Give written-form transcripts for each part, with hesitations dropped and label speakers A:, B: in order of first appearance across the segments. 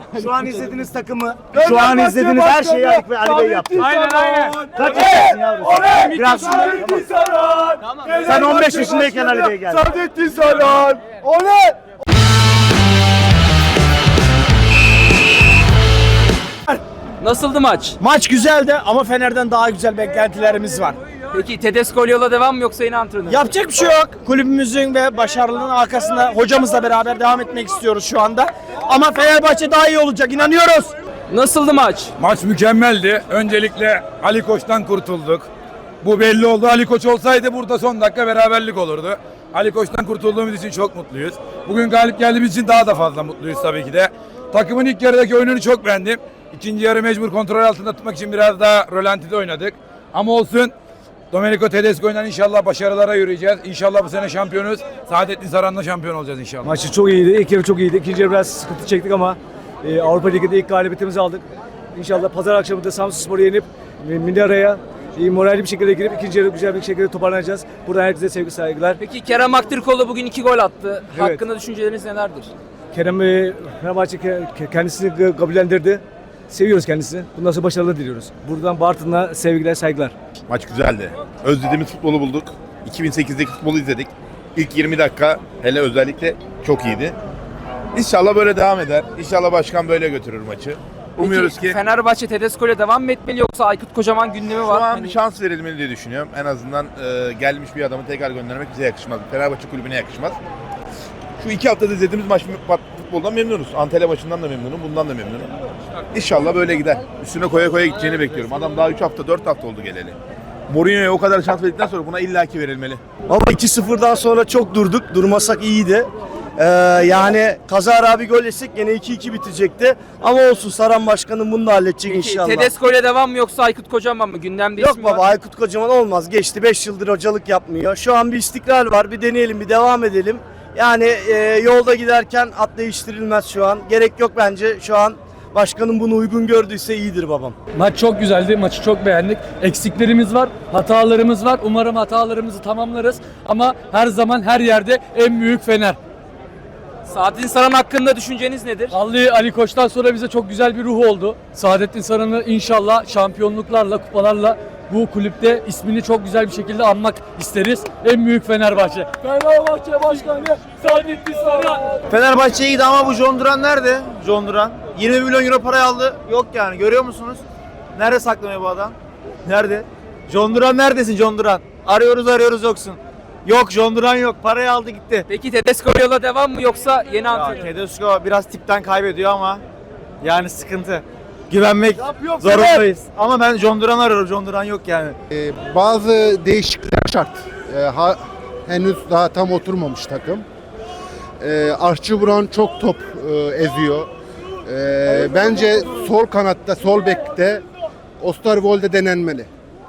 A: Şu an izlediğiniz takımı, şu an izlediğiniz her şeyi Ali Bey yaptı.
B: Aynen.
A: Kaç yaşındasın yavrum? Biraz tamam. Sen 15 yaşındayken Ali Bey geldi.
C: Saadettin Saran. Oley!
B: Nasıldı maç?
A: Maç güzeldi ama Fener'den daha güzel beklentilerimiz var.
B: Peki Tedesco yola devam mı yoksa yine antrenör?
A: Yapacak bir şey yok. Kulübümüzün ve başarılının arkasında hocamızla beraber devam etmek istiyoruz şu anda. Ama Fenerbahçe daha iyi olacak, inanıyoruz.
B: Nasıldı maç?
D: Maç mükemmeldi. Öncelikle Ali Koç'tan kurtulduk. Bu belli oldu. Ali Koç olsaydı burada son dakika beraberlik olurdu. Ali Koç'tan kurtulduğumuz için çok mutluyuz. Bugün galip geldiğimiz için daha da fazla mutluyuz tabii ki de. Takımın ilk yarıdaki oyununu çok beğendim. İkinci yarı mecbur kontrol altında tutmak için biraz daha rölantide oynadık. Ama olsun. Domenico Tedesco'yla inşallah başarılara yürüyeceğiz. İnşallah bu sene şampiyonuz. Saadettin Saran'la şampiyon olacağız inşallah.
E: Maçı çok iyiydi. İlk yarı çok iyiydi. İkinci yarı biraz sıkıntı çektik ama Avrupa Ligi'de ilk galibiyetimizi aldık. İnşallah pazar akşamı da Samsunspor'u yenip Minara'ya moralli bir şekilde girip ikinci yarı güzel bir şekilde toparlanacağız. Buradan herkese sevgi saygılar.
B: Peki Kerem Aktürkoğlu bugün 2 gol attı.
E: Evet.
B: Hakkında düşünceleriniz nelerdir?
E: Kerem Fenerbahçe kendisini kabullendirdi. Seviyoruz kendisini. Bundan sonra başarılar diliyoruz. Buradan Bartın'a sevgiler, saygılar.
C: Maç güzeldi. Özlediğimiz futbolu bulduk. 2008'deki futbolu izledik. İlk 20 dakika hele özellikle çok iyiydi. İnşallah böyle devam eder. İnşallah başkan böyle götürür maçı. Umuyoruz
B: Peki,
C: ki
B: Fenerbahçe Tedesco ile devam mı etmeli yoksa Aykut Kocaman gündemi
C: şu
B: var?
C: an
B: Hani-
C: bir şans verilmeli diye düşünüyorum. En azından gelmiş bir adamı tekrar göndermek bize yakışmaz. Fenerbahçe kulübüne yakışmaz. Şu 2 haftada izlediğimiz futboldan memnunuz. Antalya maçından da memnunum, bundan da memnunum. İnşallah böyle gider. Üstüne koya koya gideceğini bekliyorum. Adam daha 3 hafta, 4 hafta oldu geleli. Mourinho'ya o kadar şans verdikten sonra buna illaki verilmeli.
A: Baba 2-0'dan sonra çok durduk. Durmasak iyiydi. Yani kazara bir gol yesek gene 2-2 bitecekti. Ama olsun, Saran Başkanım bunu da halledecek
B: Peki,
A: inşallah.
B: Tedesco ile devam mı yoksa Aykut Kocaman mı? Gündemde
A: Yok
B: ismi
A: baba,
B: var.
A: Aykut Kocaman olmaz. Geçti, 5 yıldır hocalık yapmıyor. Şu an bir istikrar var. Bir deneyelim, bir devam edelim. Yani yolda giderken at değiştirilmez şu an. Gerek yok bence şu an. Başkanım bunu uygun gördüyse iyidir babam.
F: Maç çok güzeldi. Maçı çok beğendik. Eksiklerimiz var, hatalarımız var. Umarım hatalarımızı tamamlarız. Ama her zaman her yerde en büyük Fener.
B: Saadettin Saran hakkında düşünceniz nedir?
F: Vallahi Ali Koç'tan sonra bize çok güzel bir ruh oldu. Saadettin Saran'ı inşallah şampiyonluklarla, kupalarla bu kulüpte ismini çok güzel bir şekilde anmak isteriz. En büyük Fenerbahçe. Fenerbahçe Başkanı Saadettin Saran.
A: Fenerbahçe iyiydi ama bu John Duran nerede? John Duran. 20 milyon euro parayı aldı. Yok yani, görüyor musunuz? Nerede saklanıyor bu adam? Nerede? John Duran neredesin John Duran? Arıyoruz yoksun. Yok, John Duran yok. Parayı aldı gitti.
B: Peki Tedesco yola devam mı yoksa yeni antrenör?
A: Tedesco biraz tipten kaybediyor ama yani sıkıntı. Güvenmek zorundayız. Ama ben John Duran arıyorum. John Duran yok yani.
G: Bazı değişiklikler şart. Henüz daha tam oturmamış takım. Archie Brown çok top eziyor. Bence sol kanatta, sol bekte Osterwolde denenmeli.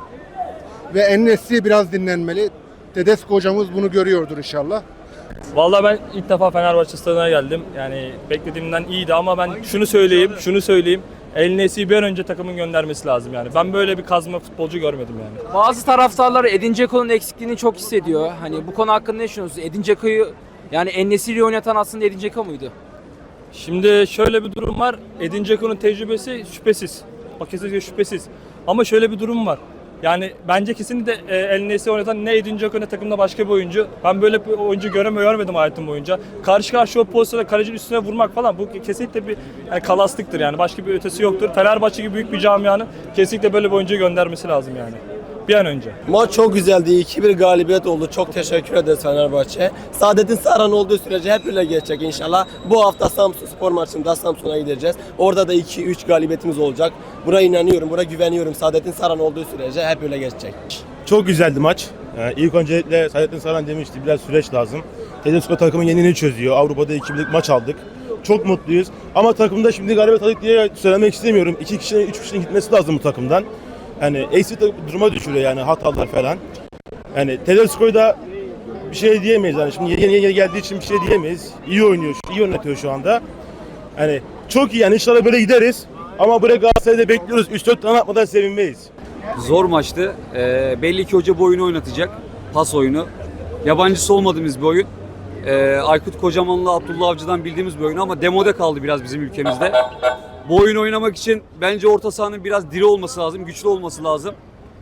G: Ve En-Nesyri biraz dinlenmeli. Tedesco hocamız bunu görüyordur inşallah.
H: Vallahi ben ilk defa Fenerbahçe stadına geldim. Yani beklediğimden iyiydi ama ben şunu söyleyeyim. El-Nesri'yi bir an önce takımın göndermesi lazım yani. Ben böyle bir kazma futbolcu görmedim yani.
B: Bazı taraftarlar Edin Dzeko'nun eksikliğini çok hissediyor. Hani bu konu hakkında ne düşünüyorsunuz? Edin Dzeko'yu yani En-Nesyri'yi oynatan aslında Edin Dzeko muydu?
H: Şimdi şöyle bir durum var. Edin Dzeko'nun tecrübesi şüphesiz. Bak kesinlikle şüphesiz. Ama şöyle bir durum var. Yani bence kesinlikle El-Nesri oynatan ne Edin Dzeko ne takımda başka bir oyuncu. Ben böyle bir oyuncu görmedim hayatım boyunca. Karşı karşıya o pozisyonda kalecinin üstüne vurmak falan bu kesinlikle bir yani kalaslıktır yani. Başka bir ötesi yoktur. Fenerbahçe gibi büyük bir camianın kesinlikle böyle bir oyuncuyu göndermesi lazım yani. Bir an önce.
I: Maç çok güzeldi. 2-1 galibiyet oldu. Çok teşekkür ederiz Fenerbahçe. Saadettin Saran olduğu sürece hep öyle geçecek inşallah. Bu hafta Samsunspor maçında Samsun'a gideceğiz. Orada da 2-3 galibiyetimiz olacak. Buna inanıyorum, buna güveniyorum. Saadettin Saran olduğu sürece hep öyle geçecek.
J: Çok güzeldi maç. İlk öncelikle Saadettin Saran demişti, biraz süreç lazım. Tedesco takımın yenini çözüyor. Avrupa'da 2-1'lik maç aldık. Çok mutluyuz. Ama takımda şimdi galibiyet aldık diye söylemek istemiyorum. 2 kişinin, 3 kişinin gitmesi lazım bu takımdan. Yani eksik duruma düşürüyor yani hatalar falan. Yani Tedesco'yu da bir şey diyemeyiz yani. Şimdi yeni geldiği için bir şey diyemeyiz. İyi oynuyor, iyi yönetiyor şu anda. Yani çok iyi yani, inşallah böyle gideriz. Ama buraya Galatasaray'da bekliyoruz. 3-4 tane atmadan sevinmeyiz.
K: Zor maçtı. Belli ki hoca bu oyunu oynatacak. Pas oyunu. Yabancısı olmadığımız bir oyun. Aykut Kocaman'la Abdullah Avcı'dan bildiğimiz bir oyun ama demode kaldı biraz bizim ülkemizde. Bu oyunu oynamak için bence orta sahanın biraz diri olması lazım, güçlü olması lazım.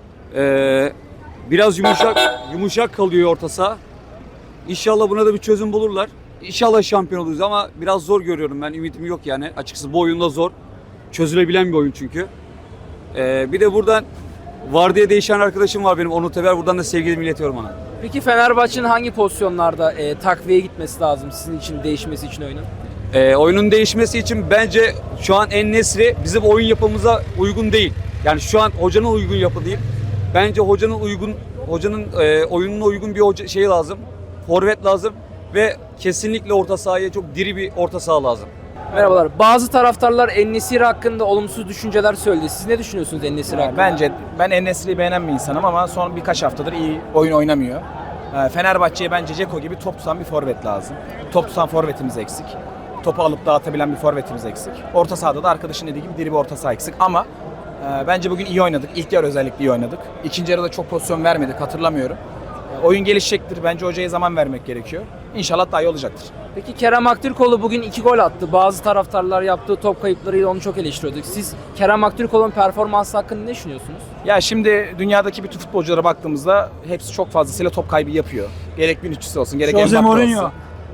K: Biraz yumuşak kalıyor orta saha. İnşallah buna da bir çözüm bulurlar. İnşallah şampiyon oluruz ama biraz zor görüyorum ben. Ümitim yok yani. Açıkçası bu oyunda zor. Çözülebilen bir oyun çünkü. Bir de buradan vardiya değişen arkadaşım var benim, Onur Teber. Buradan da sevgilerimi iletiyorum ona.
B: Peki Fenerbahçe'nin hangi pozisyonlarda takviye gitmesi lazım sizin için, değişmesi için oyunun?
K: Oyunun değişmesi için bence şu an En-Nesyri bizim oyun yapımıza uygun değil. Yani şu an hocanın uygun yapı değil. Bence hocanın oyununa uygun bir şey lazım. Forvet lazım ve kesinlikle orta sahaya çok diri bir orta saha lazım.
B: Merhabalar. Bazı taraftarlar En-Nesyri hakkında olumsuz düşünceler söyledi. Siz ne düşünüyorsunuz En-Nesyri hakkında?
L: Bence ben En-Nesyri'yi beğenen bir insanım ama son birkaç haftadır iyi oyun oynamıyor. Fenerbahçe'ye bence Dzeko gibi top tutan bir forvet lazım. Top tutan forvetimiz eksik. Topu alıp dağıtabilen bir forvetimiz eksik. Orta sahada da arkadaşın dediği gibi diri bir orta saha eksik ama bence bugün iyi oynadık. İlk yarı özellikle iyi oynadık. İkinci yarıda çok pozisyon vermedik, hatırlamıyorum. Oyun gelişecektir. Bence hocaya zaman vermek gerekiyor. İnşallah daha iyi olacaktır.
B: Peki Kerem Aktürkoğlu bugün 2 gol attı. Bazı taraftarlar yaptığı top kayıplarıyla onu çok eleştiriyorduk. Siz Kerem Aktürkoğlu'nun performansı hakkında ne düşünüyorsunuz?
L: Ya şimdi dünyadaki bütün futbolculara baktığımızda hepsi çok fazlasıyla top kaybı yapıyor. Gerek Vinicius olsun, gerek Mbappe olsun.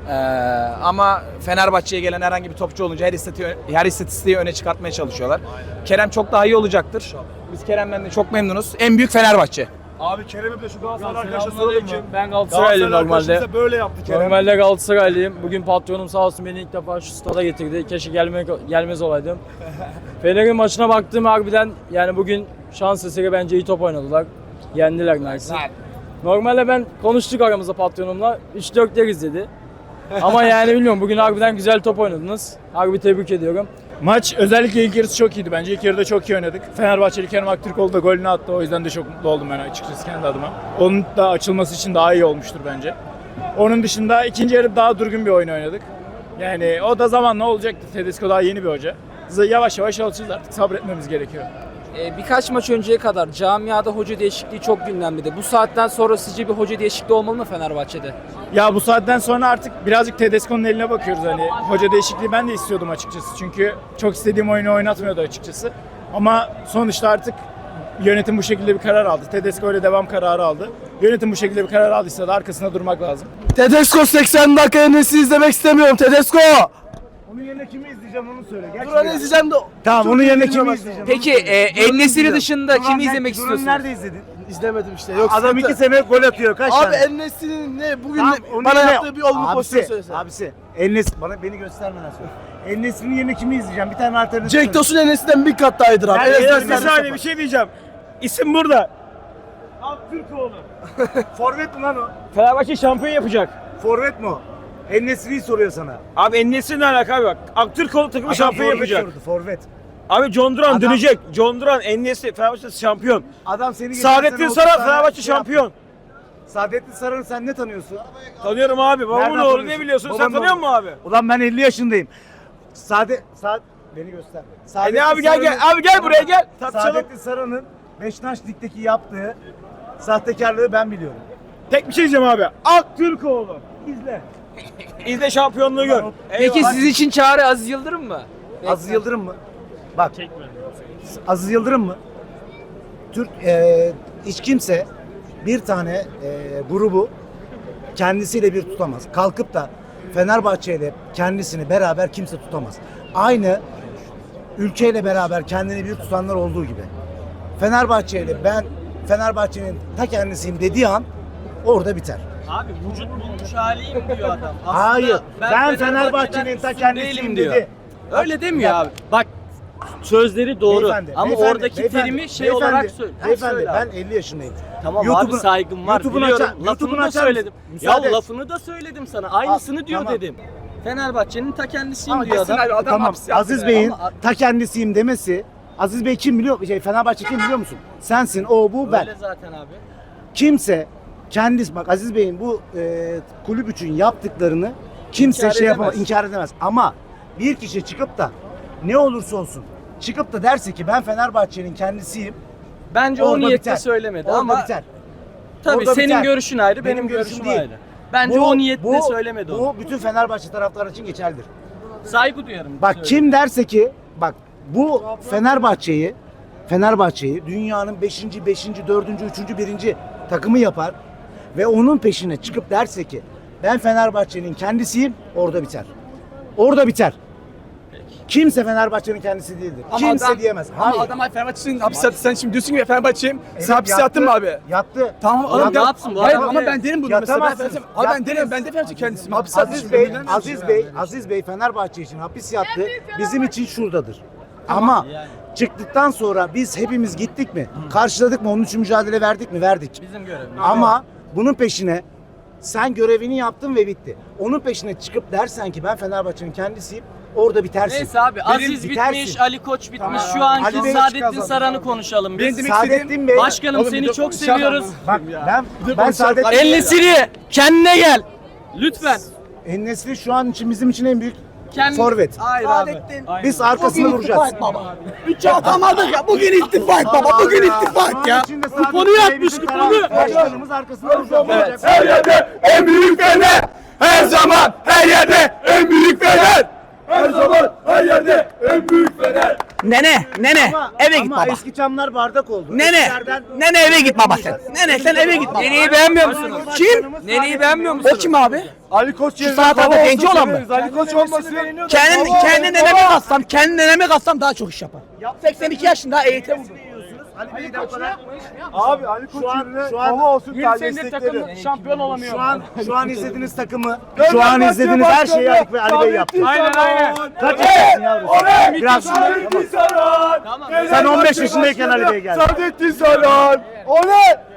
L: Ama Fenerbahçe'ye gelen herhangi bir topçu olunca her istatistiği öne çıkartmaya çalışıyorlar. Kerem çok daha iyi olacaktır. Biz Kerem'den de çok memnunuz. En büyük Fenerbahçe.
E: Abi Kerem'e de şu Galatasaray arkadaşa soralım mı?
F: Ben Galatasaraylıyım normalde.
E: Böyle yaptı Kerem.
F: Normalde Galatasaraylıyım. Bugün patronum sağ olsun beni ilk defa şu stada getirdi. Keşke gelmez olaydım. Fener'in maçına baktım harbiden yani bugün şans eseri bence iyi top oynadılar. Yendiler neredeyse. Normalde ben konuştuk aramızda patronumla. 3-4 yer izledi. Ama yani bilmiyorum bugün harbiden güzel top oynadınız. Harbi tebrik ediyorum.
E: Maç özellikle ilk yarısı çok iyiydi bence. İlk yarıda çok iyi oynadık. Fenerbahçeli Kerem Aktürkoğlu da golünü attı. O yüzden de çok mutlu oldum ben açıkçası kendi adıma. Onun da açılması için daha iyi olmuştur bence. Onun dışında ikinci yarı daha durgun bir oyun oynadık. Yani o da zamanla olacaktı. Tedesco daha yeni bir hoca. Yavaş yavaş alışacağız artık. Sabretmemiz gerekiyor.
B: Birkaç maç önceye kadar camiada hoca değişikliği çok gündemde. Bu saatten sonra sizce bir hoca değişikliği olmalı mı Fenerbahçe'de?
E: Ya bu saatten sonra artık birazcık Tedesco'nun eline bakıyoruz hani. Hoca değişikliği ben de istiyordum açıkçası. Çünkü çok istediğim oyunu oynatmıyordu açıkçası. Ama sonuçta artık yönetim bu şekilde bir karar aldı. Tedesco öyle devam kararı aldı. Yönetim bu şekilde bir karar aldıysa da arkasında durmak lazım.
L: Tedesco 80 dakika En-Nesyri izlemek istemiyorum. Tedesco!
E: Onun yerine kimi izleyeceğim onu söyle.
L: Duran'ı izleyeceğim de...
E: Tamam onun yerine kimi izleyeceğim?
B: Peki En-Nesyri dışında kimi izlemek istiyorsunuz?
E: Nerede izledin?
L: İzlemedim işte. Yok,
E: Adam 2 sene gol atıyor. Kaç
L: Abi
E: tane?
L: En-Nesyri'nin ne? Bugün
E: Tamam,
L: de
E: onun
L: bana
E: yerine-
L: yaptığı bir olumlu pozisyon söylesene.
E: Abisi. Beni göstermeden söyle. En-Nesyri'nin yerine kimi izleyeceğim? Bir tane alternatif.
L: Cenk Tosun En-Nesyri'den bir kat daha iyidir abi.
E: Bir saniye bir şey diyeceğim. İsim burada. Aktürkoğlu. Forvet mi lan o?
L: Fenerbahçe şampiyon yapacak.
E: Forvet mi o? En-Nesyri'yi soruyor sana.
L: Abi En-Nesyri ne alaka abi bak. Aktürkoğlu takımı
E: Adam forvet sordu, forvet.
L: Abi John Duran
E: Adam-
L: dönecek. John Duran En-Nesyri Fenerbahçe şampiyon.
E: Adam seni geçen
L: Saadettin
E: sene
L: Saran
E: 30 tane
L: Fenerbahçe
E: şey yaptı.
L: şampiyon.
E: Saadettin Saran'ı sen ne tanıyorsun?
L: Tanıyorum abi. Babamın
E: Nereden
L: oğlu
E: tanıyorsun?
L: ne biliyorsun? Sen
E: Babanın
L: tanıyor
E: oğlu.
L: musun abi?
E: Ulan ben 50 yaşındayım. Beni göster.
L: Ne abi gel. Abi gel buraya gel. Tartışalım.
E: Saadettin Saran'ın Beşiktaş Lig'deki yaptığı sahtekarlığı ben biliyorum.
L: Tek bir şey diyeceğim abi.
E: Aktürkoğlu. İzle.
L: İzle şampiyonluğu gör.
B: Peki sizin için çağrı Aziz Yıldırım mı?
E: Aziz Yıldırım mı? Bak. Aziz Yıldırım mı? Hiç kimse bir tane grubu kendisiyle bir tutamaz. Kalkıp da Fenerbahçe ile kendisini beraber kimse tutamaz. Aynı ülkeyle beraber kendini bir tutanlar olduğu gibi. Fenerbahçe ile ben Fenerbahçe'nin ta kendisiyim dediği an orada biter.
I: Abi vücut bulmuş haliyim diyor adam. Aslında
E: Hayır. Ben
I: Fenerbahçe'den
E: Fenerbahçe'nin ta
I: üstün
E: kendisiyim
I: değilim diyor.
E: dedi.
I: Öyle demiyor abi. Bak sözleri doğru
E: Beyefendi,
I: ama
E: beyefendi,
I: oradaki
E: beyefendi,
I: terimi şey
E: beyefendi,
I: olarak söyle.
E: Beyefendi
I: Söyle
E: ben
I: abi.
E: 50 yaşındayım.
I: Tamam
E: YouTube'un-
I: abi saygım var
E: YouTube'un
I: biliyorum.
E: açar- YouTube'un
I: Lafını da
E: açar
I: söyledim.
E: mısın?
I: Ya
E: Müsaade et.
I: lafını da söyledim sana. Aynısını diyor
E: tamam.
I: dedim. Fenerbahçe'nin ta kendisiyim
E: Ama
I: diyor adam.
E: tamam. Aziz Bey'in
I: Ama-
E: ta kendisiyim demesi. Aziz Bey kim biliyor? Fenerbahçe kim biliyor musun? Sensin, o, bu, ben.
I: Öyle zaten abi.
E: Kimse kendisi bak Aziz Bey'in bu kulüp için yaptıklarını kimse
I: İnkar
E: şey yapamaz,
I: edemez.
E: inkar edemez. Ama bir kişi çıkıp da ne olursa olsun çıkıp da derse ki ben Fenerbahçe'nin kendisiyim.
I: Bence o
E: Orada
I: niyetle
E: biter.
I: söylemedi
E: Orada
I: ama
E: biter.
I: tabii
E: Orada
I: senin
E: biter.
I: görüşün ayrı,
E: Benim
I: benim
E: görüşüm
I: görüşüm
E: değil.
I: ayrı.
M: Bence o niyetle söylemedi onu.
N: Bu bütün Fenerbahçe taraftarı için geçerlidir.
M: Saygı duyarım.
N: Bak kim derse ki bak bu Fenerbahçe'yi dünyanın 5. 4. 3. 1. takımı yapar ve onun peşine çıkıp derse ki ben Fenerbahçe'nin kendisiyim, orada biter. Orada biter. Kimse Fenerbahçe'nin kendisi değildir. Kimse diyemez.
L: Ama adam Fenerbahçe'nin hapis yattı. Sen şimdi diyorsun ki Fenerbahçe'yim.
N: Evet,
L: Sen hapis yattın mı abi?
N: Yattı.
L: Tamam adam
M: ne yapsın bu
L: Hayır
M: adam?
L: ama ben derim bunu mesela.
N: Yatamazsın.
L: Abi ben
N: Yattınız.
L: derim, ben de Fenerbahçe kendisiyim. Hapis yattı.
N: Aziz Bey Fenerbahçe için hapis yattı. Bizim için şuradadır. Ama çıktıktan sonra biz hepimiz gittik mi? Karşıladık mı? Onun için mücadele verdik mi? Verdik.
M: Bizim görevimiz.
N: Ama bunun peşine sen görevini yaptın ve bitti. Onun peşine çıkıp dersen ki ben Fenerbahçe'nin kendisiyim, orada bitersin.
M: Neyse abi Aziz
N: bitersin.
M: bitmiş, Ali Koç bitmiş.
N: Tamam.
M: Şu anki
N: Ali Bey
M: Saadettin
N: kazandı.
M: Saran'ı konuşalım biz.
L: Benim demek
N: Saadettin Bey.
M: Başkanım
L: Oğlum,
M: seni
L: bir
M: çok
L: konuşalım.
M: seviyoruz.
N: Bak ben Saadettin
M: El Nesiri kendine gel. Lütfen.
N: En-Nesyri şu an için bizim için en büyük
M: Kendi...
N: forvet.
M: Hayır abi.
N: Biz arkasında duracağız.
L: Üç atamadık ya. Bugün ittifak baba. Bugün ittifak ya.
N: Kuponu
M: yapmış, kuponu.
N: Başkanımız arkasında duracağız.
D: Her yerde en büyük Fener. Her zaman her yerde en büyük Fener. Her zaman her yerde en büyük Fener.
L: Nene eve git
N: Ama
L: baba.
N: eski camlar bardak oldu.
L: Nene eve git baba sen. Nene sen eve git baba.
B: Neneyi beğenmiyor musunuz?
L: Kim?
B: Neneyi beğenmiyor musunuz?
L: O kim abi?
D: Ali Koç
L: Şu sağ tarafta genci olan mı?
D: Ali Koç olmasın.
L: Kendi neneme katsam daha çok iş yapar. 82 yaşında EYT vurdu.
N: Ali Bey'den sonra
D: Abi Ali Koç
N: şu an
D: olsun
F: 20 senedir takım şampiyon olamıyor.
N: şu an izlediğiniz takımı, şu an izlediğiniz her şeyi Ali Bey yaptı.
F: Aynen.
N: Kaç yaşındasın yavrum? Biraz
D: Saran.
N: sen 15 yaşındayken Ali Bey geldi.
D: Saadettin Saran. Oley!